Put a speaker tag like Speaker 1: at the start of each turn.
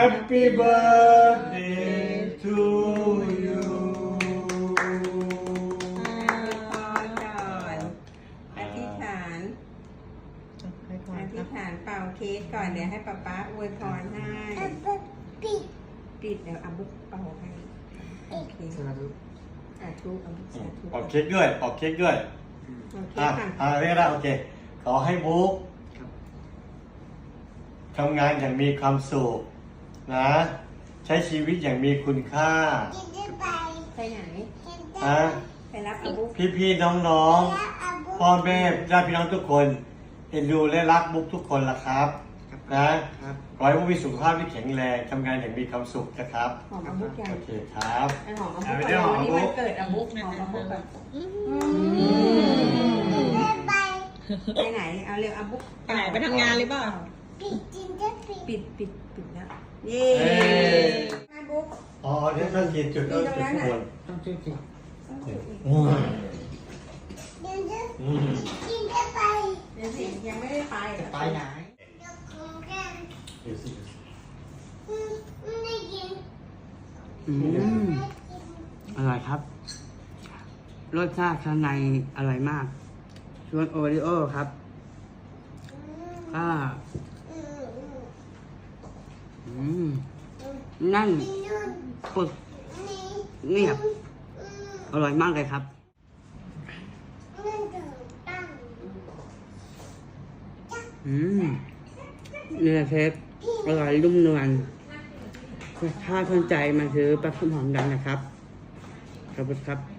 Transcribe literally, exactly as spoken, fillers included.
Speaker 1: Happy birthday to you
Speaker 2: อธิษฐานอธิษฐานเป่าเค้กก่อนเดี๋ยวให้ป๊าป๊าอวยพรให้ปิดปิดเดี๋ยวอาบุ๊กเป่าให้โอเคสาธุสาธุอาบุ๊กสาธุ
Speaker 1: ออกเค้กด้วยออกเค้กด้วย
Speaker 2: โอเค
Speaker 1: อ่ะ
Speaker 2: ค่ะ
Speaker 1: อ่ะเรียกได้โอเคขอให้บุ๊กทำงานอย่างมีความสุขนะใช้ชีวิตอย่างมีคุณค่า
Speaker 2: ไปไหน
Speaker 1: นะ
Speaker 2: ไปรับอาบุ๊ก
Speaker 1: พี่ๆน้องๆพ่อแม่ญาติพี่น้องทุกคนเอ็นดูและรักบุ๊กทุกคนละครับนะขอให้บุ๊กมีสุขภาพที่แข็งแรงทำงานอย่างมีความสุขนะครับ
Speaker 2: หอมอาบุ๊กยัง
Speaker 1: โอเคครับ
Speaker 2: ไอหอมอาบุ๊กก่อนวันนี้วันเกิดอาบุ๊กหอมอาบุ๊กก่อนไปไหนเอาเร็วอาบุ๊ก
Speaker 3: ไปไหนไปทำงานหรือเปล่า
Speaker 2: ปิดปิดปิดแล้วเย้อาบุ๊ก
Speaker 1: อ๋อเดี๋ยวต้องกินจุดเริ่มจุดทุกคน
Speaker 4: ต้องช่วยกิน
Speaker 1: อืมอืม
Speaker 2: เดี๋ยวสิยังไม่ได้ไปเหรอ
Speaker 4: ไปไหน
Speaker 1: เดี๋ยวสิ
Speaker 4: อืมอร่อยครับ รสชาติข้างในอร่อยมากส่วนโอริโอครับก็อืมนั่นปึกเงียบอร่อยมากเลยครับอืมเนื้อเทปอร่อยนุ่มนวลถ้าสนใจมาซื้อปลาส้มหอมดังนะครับขอบคุณครับ